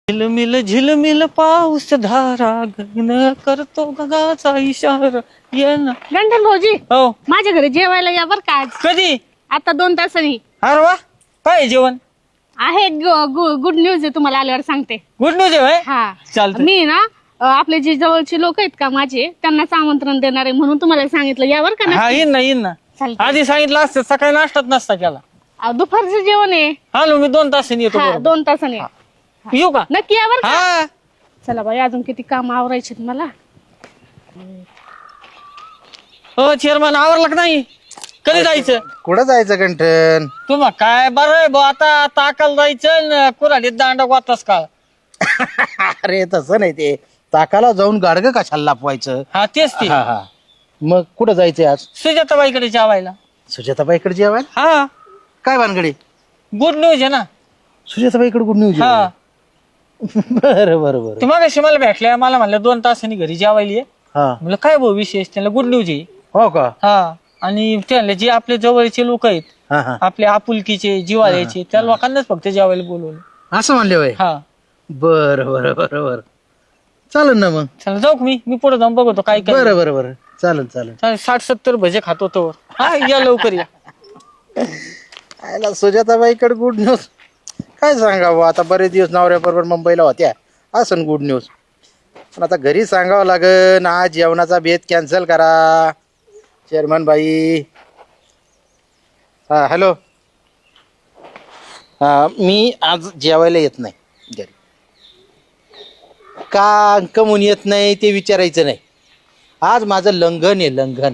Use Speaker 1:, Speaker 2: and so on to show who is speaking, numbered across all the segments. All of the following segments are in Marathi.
Speaker 1: झिलमिल पाऊस धारा गगन करतो गगाचा इशारा ये ना.
Speaker 2: गंठन भाऊजी
Speaker 1: हो
Speaker 2: माझ्या घरी जेवायला या बर का आज.
Speaker 1: कधी?
Speaker 2: आता 2 तासांनी.
Speaker 1: अरे वा काय जेवण
Speaker 2: आहे गुड न्यूज आहे तुम्हाला आल्यावर सांगते.
Speaker 1: गुड न्यूज आहे होय?
Speaker 2: हा
Speaker 1: चालतंय.
Speaker 2: मी ना आपले जे जवळचे लोक आहेत का माझे त्यांनाच आमंत्रण देणार आहे म्हणून तुम्हाला सांगितलं या बर का.
Speaker 1: हा येईन ना
Speaker 2: चालतंय.
Speaker 1: आधी सांगितलं असतं सकाळी नाश्तात नसता केला.
Speaker 2: दुपारचं जेवण आहे.
Speaker 1: आलो मी 2 तासांनी येतो
Speaker 2: हा
Speaker 1: बरोबर.
Speaker 2: 2 तासांनी या.
Speaker 1: येऊ का?
Speaker 2: नक्की या बर का.
Speaker 1: हा
Speaker 2: चला बाई अजून किती काम आवरायचे मला.
Speaker 1: हो चेअरमन आवरलं का नाही? कधी जायचं?
Speaker 3: कुठं जायचं गंठन?
Speaker 1: तुम्हा काय बरं आहे भाऊ आता ताकाला जायचं कुऱ्हाडीत दांडा वाचतास का?
Speaker 3: अरे तसं नाही ते ताकाला जाऊन गाडगं कशाला लपवायचं.
Speaker 1: हा तेच ते
Speaker 3: हा हा मग कुठं जायचंय आज?
Speaker 1: सुजाताबाईकडे जेवायला.
Speaker 3: सुजाताबाईकडे जेवायला?
Speaker 1: हा
Speaker 3: काय भानगडी?
Speaker 1: गुड न्यूज आहे ना.
Speaker 3: सुजाताबाईकडे गुड न्यूज?
Speaker 1: हा
Speaker 3: बरं बरं बरं.
Speaker 1: ते मगाशी मला भेटल्या मला म्हणलं 2 तासांनी घरी जेवायला ये.
Speaker 3: हा
Speaker 1: म्हणलं काय भाऊ विशेष? त्यांना गुड न्यूज आहे.
Speaker 3: हो का?
Speaker 1: हा आणि त्यांना जे आपले जवळचे लोक आहेत
Speaker 3: हा हा
Speaker 1: आपले आपुलकीचे जिवाळ्याचे त्या लोकांनाच फक्त जेवायला बोलवलं.
Speaker 3: असं म्हणले होय?
Speaker 1: हा
Speaker 3: बरं बरं बरं बरं चालेल ना मग.
Speaker 1: चला जाऊ का मी पुढे जाऊन बघतो काय काय.
Speaker 3: बरं बरं बरं चालेल चालेल.
Speaker 1: 60-70 भजे खातो तो. हा या लवकर या.
Speaker 3: आयला सुजाताबाईकडे गुड न्यूज काय सांगावं आता. बरेच दिवस नवऱ्याबरोबर मुंबईला होत्या असं गुड न्यूज. पण आता घरी सांगावं लागन आज जेवणाचा बेत कॅन्सल करा चेअरमन बाई. हा हॅलो. हा मी आज जेवायला येत नाही घरी. का कमून येत नाही ते विचारायचं नाही. आज माझं लंघन आहे लंघन.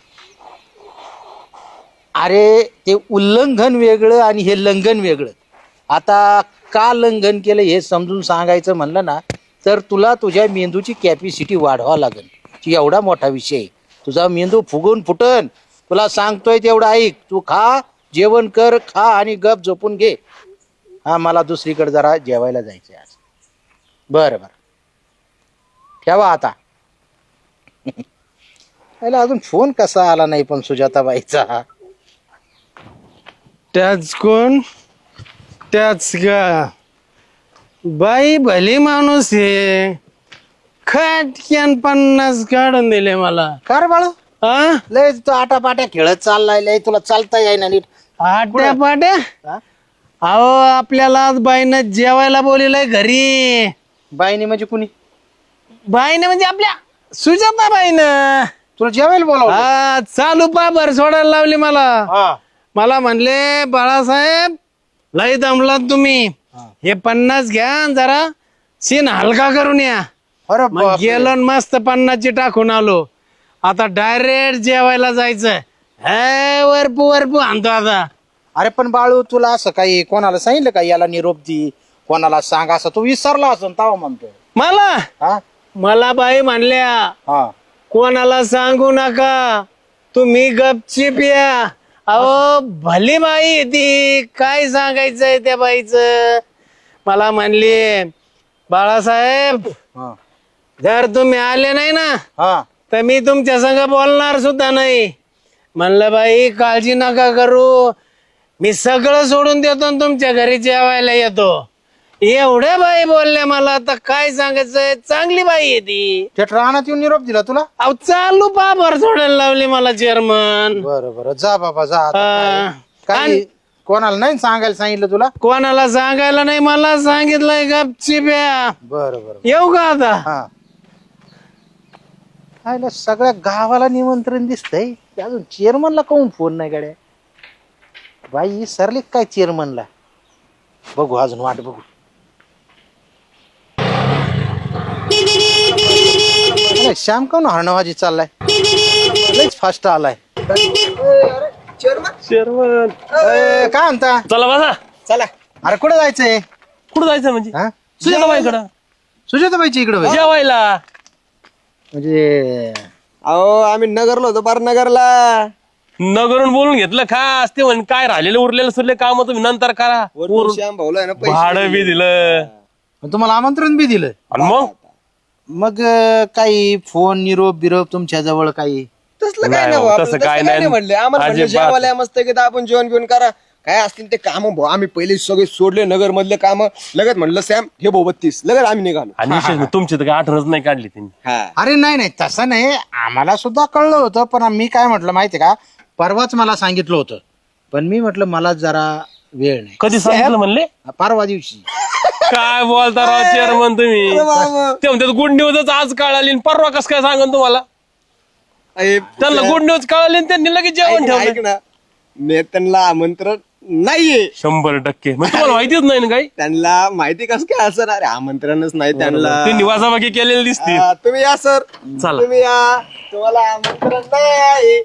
Speaker 3: अरे ते उल्लंघन वेगळं आणि हे लंघन वेगळं. आता का लंघन केलं हे समजून सांगायचं म्हणलं ना तर तुला तुझ्या मेंदूची कॅपॅसिटी वाढवावं लागेल. ती एवढा मोठा विषय आहे. तुझा मेंदू फुगून फुटन. तुला सांगतोय तेवढं ऐक. तू खा जेवण कर खा आणि गप झोपून घे. हा मला दुसरीकडे जरा जेवायला जायचं आज. बरं बरं ठेवा आता. याला अजून फोन कसा आला नाही पण सुजाताबाईचा.
Speaker 4: त्याच कोण? त्याच का बाई भली माणूस आहे. खटक्यान 50 काढून दिले मला.
Speaker 3: कर बाळू
Speaker 4: हा
Speaker 3: लय तू आटापाट्या खेळत चाललाय लय तुला चालता येईना नीट.
Speaker 4: आट्या पाट्या.
Speaker 3: हा?
Speaker 4: अहो आपल्याला आज बाईनं जेवायला बोलिलंय घरी.
Speaker 3: बाईने म्हणजे कुणी?
Speaker 4: बाईने म्हणजे आपल्या सुजाता बाईनं
Speaker 3: तुला जेवायला बोलावलं?
Speaker 4: हा चालू पाबर सोडायला लावली मला.
Speaker 3: हा.
Speaker 4: मला म्हणले बाळासाहेब लय दमलात तुम्ही. हे 50 घ्या आणि जरा सीन हलका करून या.
Speaker 3: अरे
Speaker 4: मग
Speaker 3: बापरे.
Speaker 4: गेलो आणि मस्त 50ची टाकून आलो. आता डायरेक्ट जेवायला जायचं. हे वरपू आणतो आता.
Speaker 3: अरे पण बाळू तुला असं काही कोणाला सांगितलं का याला निरोप दी कोणाला सांग असं तू विसरला असं ताव म्हणतो. हा
Speaker 4: मला बाई म्हणल्या
Speaker 3: हा
Speaker 4: कोणाला सांगू नका तुम्ही गपचीप या. अहो भली बाई आहे ती काय सांगायचंय त्या बाईचं. मला म्हणली बाळासाहेब
Speaker 3: हा
Speaker 4: जर तुम्ही आले नाही ना
Speaker 3: हा
Speaker 4: तर मी तुमच्या संग बोलणार सुद्धा नाही. म्हणलं बाई काळजी नका करू मी सगळं सोडून देतो आणि तुमच्या घरी जेवायला येतो. एवढ्या बाई बोलल्या मला आता काय सांगायचंय. चांगली बाई आहे ती.
Speaker 3: थेट राहण्यात येऊन निरोप दिला तुला?
Speaker 4: अहो चालू पाभर सोडायला लावली मला चेअरमन.
Speaker 3: बरं बरं जा बाबा जा आता काय कोणाला नाही सांगायला सांगितलं तुला?
Speaker 4: कोणाला सांगायला नाही मला सांगितलंय गपचीप या.
Speaker 3: बरं बरं
Speaker 4: येऊ का आता?
Speaker 3: हा आयला सगळ्या गावाला निमंत्रण दिसतंय अजून चेअरमनला काऊन फोन नाही गाड्या. बाई सरले काय चेअरमनला. बघू अजून वाट बघू. अरे श्याम काऊन हरणवाजी चाललाय लयच फास्ट आलाय.
Speaker 4: चेअरमन
Speaker 3: काय म्हणता?
Speaker 1: चला बसा.
Speaker 3: चला. अरे कुठे जायचंय?
Speaker 1: कुठं जायचं म्हणजे?
Speaker 3: हा
Speaker 1: सुजाताबाईकडं
Speaker 3: सुजाताबाईच्या इकडे होय?
Speaker 1: जेवायला.
Speaker 3: म्हणजे
Speaker 5: अहो आम्ही नगरला होतो पार नगरला.
Speaker 1: नगरून बोलून घेतलं खास ते म्हण काय राहिलेलं उरलेलं सुरले काम तुम्ही नंतर करा.
Speaker 5: वरून श्याम भाऊला आहे ना
Speaker 1: भाडं बी दिलं
Speaker 3: तुम्हाला आमंत्रण बी दिलं
Speaker 1: आणि मग
Speaker 3: मग काही फोन निरोप बिरोप तुमच्या जवळ काही?
Speaker 5: तसलं काय
Speaker 1: नाही
Speaker 5: नाही
Speaker 1: हो,
Speaker 5: भाऊ,
Speaker 1: तसं
Speaker 5: आपलं
Speaker 1: काय
Speaker 5: तसं
Speaker 1: नाही.
Speaker 5: नाही म्हणले आम्हाला म्हणले
Speaker 1: अजिबात.
Speaker 5: जेवायला मस्त की आपण जेवण घेऊन करा काय असतील ते काम भाऊ आम्ही पहिले सगळे सोडले नगर मधले काम लगत म्हणलं सॅम हे भाऊ 32 लगत आम्ही निघालो.
Speaker 6: आणि विशेष म्हणजे तुमची तर काही आठवणच नाही काढली त्यांनी.
Speaker 5: हा
Speaker 3: अरे नाही तसं नाही, आम्हाला सुद्धा कळलं होतं, पण मी काय म्हटलं माहितीये का, परवाच मला सांगितलं होतं, पण मी म्हटलं मला जरा वेळ नाही.
Speaker 6: कधी सांगितलं म्हणले?
Speaker 3: परवा दिवशी.
Speaker 6: काय बोलता राव चेअरमन तुम्ही? ते म्हणतात गुड न्यूजच आज कळाली आणि परवा कस काय सांगन तुम्हाला? त्यांना गुड न्यूज कळाली आणि त्यांनी लगेच जेवण
Speaker 5: ऐक
Speaker 6: ठेवलं.
Speaker 5: ना नेत्यांना आमंत्रण नाहीये.
Speaker 6: 100%. मग तुम्हाला माहितीच नाही ना काही?
Speaker 5: त्यांना माहिती कसं काय असं अरे आमंत्रणच नाही त्यांना.
Speaker 6: ते निवासाबाकी केलेले दिसतील.
Speaker 5: तुम्ही या सर,
Speaker 6: चला.
Speaker 5: तुम्ही या, तुम्हाला आमंत्रण नाही.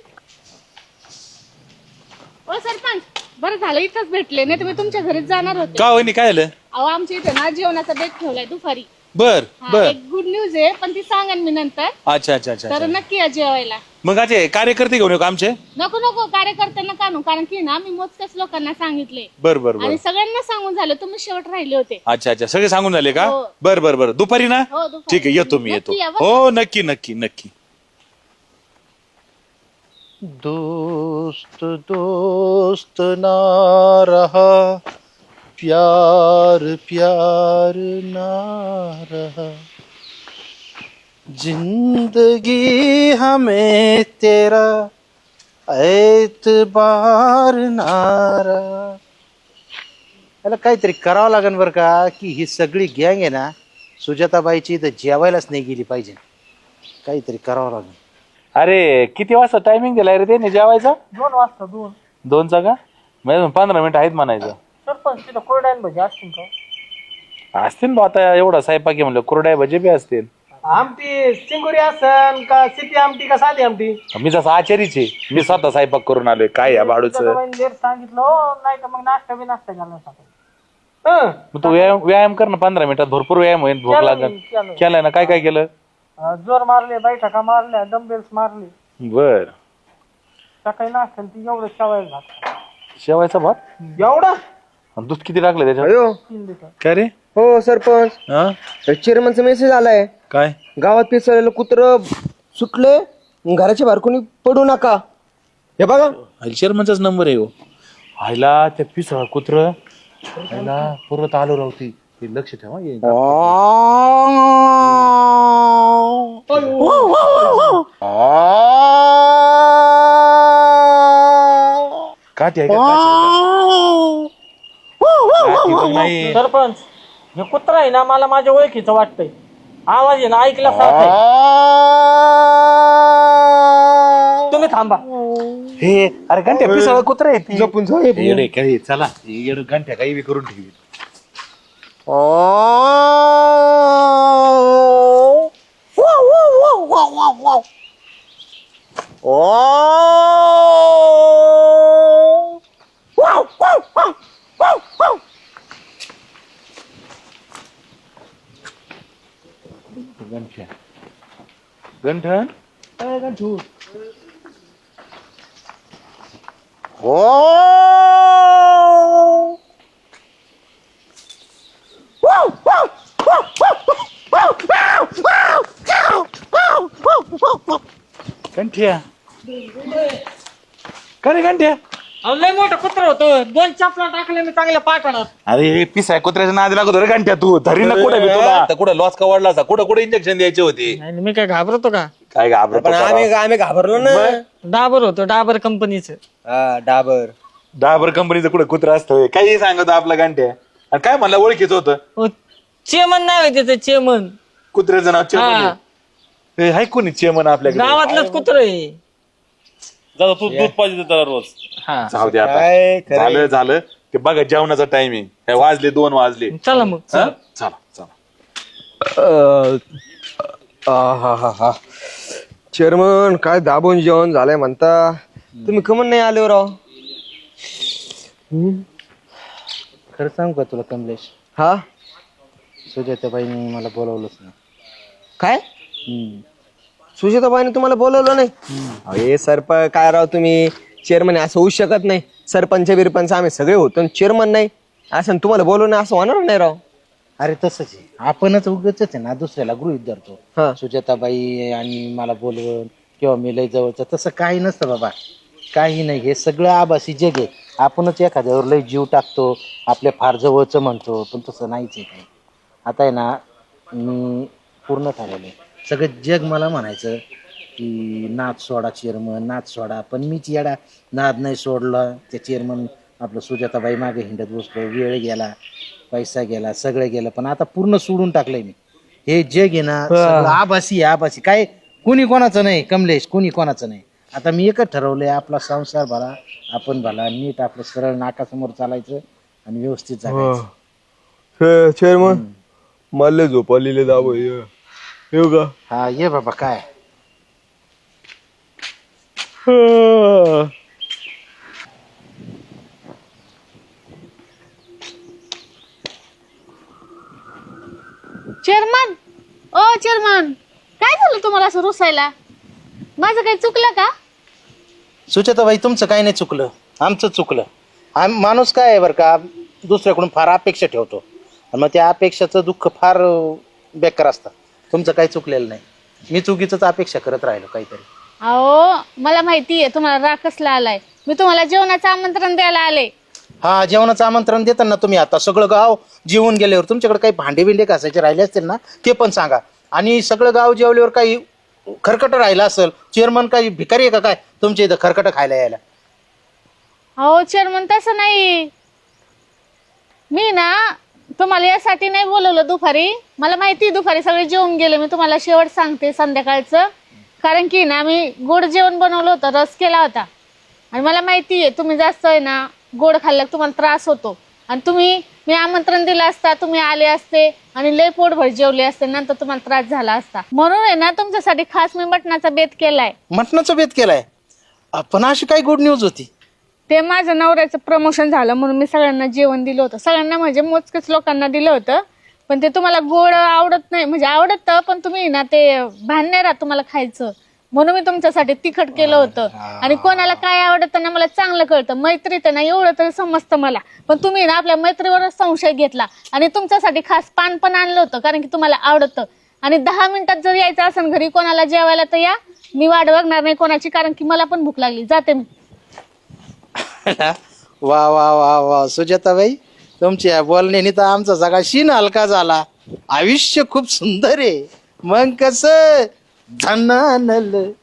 Speaker 2: ओ सरपंच, बरं झालं इथंच भेटले, नाही तुम्ही तुमच्या घरीच जाणार होते.
Speaker 1: का वहिनी काय झालं?
Speaker 2: अहो आमच्या इथे ना जेवणाचा बेत ठेवलाय दुपारी.
Speaker 1: बर
Speaker 2: हा,
Speaker 1: बर.
Speaker 2: एक गुड न्यूज आहे, पण ती सांगेन मी नंतर.
Speaker 1: अच्छा अच्छा अच्छा
Speaker 2: तर
Speaker 1: अच्छा.
Speaker 2: नक्की या जेवायला.
Speaker 1: मग असे कार्यकर्ते घेऊन येऊ का आमचे?
Speaker 2: नको नको कार्यकर्त्यांना काढू, कारण की ना मी मोजक्याच लोकांना सांगितले
Speaker 1: बर बर बर.
Speaker 2: आणि सगळ्यांना सांगून झालं, तुम्ही शेवट राहिले होते.
Speaker 1: अच्छा अच्छा, सगळे सांगून झाले का?
Speaker 2: हो.
Speaker 1: बर बर बर. दुपारी ना?
Speaker 2: हो, दुपारी.
Speaker 1: ठीक आहे, येतो मी, येतो.
Speaker 2: नक्की या बरं.
Speaker 1: हो नक्की नक्की नक्की.
Speaker 3: दोस्त दोस्त ना रहा, प्यार प्यार ना रहा, जिंदगी हमें तेरा एतबार ना रहा. याला काहीतरी करावं लागेल बरं का, की ही सगळी गँग आहे ना सुजाताबाईची इथं जेवायलाच नाही गेली पाहिजे. काहीतरी करावं लागेल. अरे किती वाजता टायमिंग दिलाय रे त्याने जेवायचा?
Speaker 7: 2 वाजता
Speaker 3: 2चा का? म्हणजे 15 मिनिटं आहेत म्हणायचं.
Speaker 7: सरपंच तिथं कोरडायला भजी असतील का?
Speaker 3: असतील बा, आता एवढा स्वयंपाक आहे म्हणलं, कुरड्या भजे बी असतील.
Speaker 7: आमटी चिंगुरी असन का सिटी आमटी का साधी आमटी?
Speaker 3: मी जसं आचारीच आहे, मी स्वतः स्वयंपाक करून आलोय. काय या बाळूच?
Speaker 7: लेट सांगितलं हो, नाही तर मग नाश्ता बी नाश्ता घालून टाकायचं.
Speaker 3: मग तू व्यायाम कर ना 15 मिनिटात, भरपूर व्यायाम होईल. भूक लागेल.
Speaker 7: केलं.
Speaker 3: केलाय ना? काय काय केलं?
Speaker 7: जोर मारले, बैठका मारल्या, डंबेल्स मारले.
Speaker 3: बर.
Speaker 7: सकाळी नाश्ता ती एवढं शेवायला घात.
Speaker 3: शेवायचा भात?
Speaker 7: एवढा
Speaker 3: आणि दूध किती टाकलं त्याच्यात?
Speaker 5: अयो
Speaker 7: 3 लिटर.
Speaker 1: काय रे?
Speaker 5: हो सरपंच,
Speaker 1: हा
Speaker 5: चेअरमनचा मेसेज आलाय.
Speaker 1: काय?
Speaker 5: गावात पिसळलेलं कुत्र सुटले, घराच्या बाहेर कोणी पडू नका. हे बघा
Speaker 1: शर्मनचाच नंबर आहे हो.
Speaker 3: आईला त्या पिसळ कुत्र आईला परत आलो राहती. ते लक्ष ठेवा. काठी आहे का? काठी बघ नाही.
Speaker 7: सरपंच, हे कुत्रा आहे ना मला माझ्या ओळखीचं वाटतंय. आवाज आहे ना ऐकला सारखा. तुम्ही थांबा.
Speaker 3: हे अरे घंट्या पिसळ कुत्र आहे ती.
Speaker 5: जपून जाऊ.
Speaker 3: येडे काय चला, येडे घंट्या काही बी करून ठेवी. गंठ्या गंठन गंठू. गंठ्या का रे गंठ्या?
Speaker 7: अहो, लय मोठं कुत्र होतं. 2 चपला टाकले मी चांगल्या पाठवणार.
Speaker 3: अरे पिसाय कुत्र्याच्या नादी लागतो रे घंट्या. तू धरी ना कुठे तुला? कुठं लॉस का वाढला असा? कुठं कुठे इंजेक्शन द्यायचे होते?
Speaker 7: नाही मी काय घाबरतो का?
Speaker 3: काय घाबरतो
Speaker 5: पण
Speaker 3: का?
Speaker 5: आम्ही घाबरलो ना.
Speaker 7: डाबर होतो, डाबर कंपनीचं.
Speaker 5: हा, डाबर.
Speaker 3: डाबर कंपनीचं कुठं कुत्र असतं? काही सांगतो आपला घंट्या. आणि काय म्हणलं ओळखीचं होतं?
Speaker 7: हो, चेमन नाव आहे त्याचं, चेमन.
Speaker 3: कुत्र्याचं नाव चेमन
Speaker 7: हा.
Speaker 3: आहे. हे हाय कोणी चेमन आपल्याकडे?
Speaker 7: गावातलंच कुत्र आहे.
Speaker 6: जाऊ तू दूध पाहिजे त्याला रोज.
Speaker 3: जाऊ दे आता.
Speaker 5: काय खरंय.
Speaker 3: झालं ते बघा जेवणाचा टायमिंग. वाजले 2 वाजले.
Speaker 7: चला मग.
Speaker 3: हा? चला चला.
Speaker 5: हा चेअरमन काय दाबून जेवण झालंय म्हणता. तुम्ही कमन नाही आले हो राव.
Speaker 3: खरं सांगू का तुला कमलेश?
Speaker 5: हा
Speaker 3: सुजाताबाईंनी मला बोलवलंच नाही.
Speaker 5: काय सुजाताबाईने तुम्हाला बोलवलं नाही? हे सरपंच काय राव तुम्ही. चेअरमन असं होऊ शकत नाही. सरपंच बिरपंच आम्ही सगळे होतो, चेअरमन नाही असं तुम्हाला बोलवणं असं होणार नाही राव.
Speaker 3: अरे तसंच आहे, आपणच उगाच आहे ना दुसऱ्याला गृहीत धरतो.
Speaker 5: हा.
Speaker 3: सुजाताबाई आणि मला बोलवून किंवा मी लय जवळचं, तसं काही नसतं बाबा. काही नाही, हे सगळं आभासी जग आहे. आपणच एखाद्यावर लय जीव टाकतो, आपल्या फार जवळचं म्हणतो, पण तसं नाहीच आहे काही. आता आहे ना, मी पूर्ण ठरवलं सगळं जग मला म्हणायचं की नाद सोडा चेअरमन, नाद सोडा, पण मीच येडा नाद नाही सोडला. त्या चेअरमन आपलं सुजाताबाई मागे हिंडत बसलो, वेळ गेला, पैसा गेला, सगळं गेलं, पण आता पूर्ण सोडून टाकलंय मी. हे जग आहे ना सगळं आभासी आहे, आभासी. काय कुणी कोणाचं नाही कमलेश, कुणी कोणाचं नाही. आता मी एकच ठरवलंय, आपला संसार भला, आपण भला, नीट आपलं सरळ नाकासमोर चालायचं आणि व्यवस्थित जगायचं.
Speaker 5: चेअरमन मला झोप आलेले दाबो येऊ का?
Speaker 3: हा ये बाबा. काय
Speaker 2: चेअरमन, ओ चेअरमन, काय झालं तुम्हाला असं रुसायला? माझं काही चुकलं का?
Speaker 3: सुचेताबाई, तुमचं काही नाही चुकलं, आमचं चुकलं. माणूस काय आहे बरं का, दुसऱ्याकडून फार अपेक्षा ठेवतो आणि मग त्या अपेक्षाचं दुःख फार बेकार असतं. तुमचं काही चुकलेलं नाही, मी चुकीचंच अपेक्षा करत राहिलो काहीतरी.
Speaker 2: अहो, मला माहितीये तुम्हाला राग कसला आलाय. मी तुम्हाला जेवणाचं आमंत्रण द्यायला आले.
Speaker 3: हा, जेवणाचं आमंत्रण देताना तुम्ही आता सगळं गाव जेवून गेल्यावर तुमच्याकडे काही भांडे बिंडे घासायचे राहिले असतील ना, ते पण सांगा. आणि सगळं गाव जेवल्यावर काही खरकट राहिलं असेल, चेअरमन काही भिकारी आहे का काय तुमच्या इथं खरकट खायला यायला?
Speaker 2: अहो चेअरमन, तसं नाही. मी ना तुम्हाला यासाठी नाही बोलवलं दुपारी. मला माहिती दुपारी सगळे जेवून गेले. मी तुम्हाला शेवट सांगते संध्याकाळचं. कारण की ना मी गोड जेवण बनवलं होतं, रस केला होता. आणि मला माहिती आहे तुम्ही जास्त आहे ना गोड खाल्लं तुम्हाला त्रास होतो. आणि मी आमंत्रण दिलं असता, तुम्ही आले असते आणि लय पोटभर जेवले असते, नंतर तुम्हाला त्रास झाला असता. म्हणून आहे ना तुमच्यासाठी खास मी मटणाचा बेत केलाय.
Speaker 3: मटणाचा बेत केलाय? पण अशी काय गुड न्यूज होती?
Speaker 2: ते माझ्या नवऱ्याचं प्रमोशन झालं म्हणून मी सगळ्यांना जेवण दिलं होतं. सगळ्यांना म्हणजे मोजकेच लोकांना दिलं होतं. पण ते तुम्हाला गोड आवडत नाही, म्हणजे आवडतं पण तुम्ही ना ते भान नाही राहत तुम्हाला खायचं, म्हणून मी तुमच्यासाठी तिखट केलं होतं. आणि कोणाला काय आवडतं ना मला चांगलं कळतं. मैत्रीत ना एवढं तरी समजतं मला. पण तुम्ही ना आपल्या मैत्रीवरच संशय घेतला आणि तुमच्यासाठी खास पान पण आणलं होतं, कारण की तुम्हाला आवडतं. आणि 10 मिनिटात जर यायचं असेल घरी कोणाला जेवायला तर या, मी वाट बघणार नाही कोणाची, कारण की मला पण भूक लागली. जाते मी.
Speaker 3: वा वा वा वा सुजाताबाई, तुमच्या बोलण्याने तर आमचा सगळा शीन हलका झाला. आयुष्य खूप सुंदर आहे. मग कसं झनानल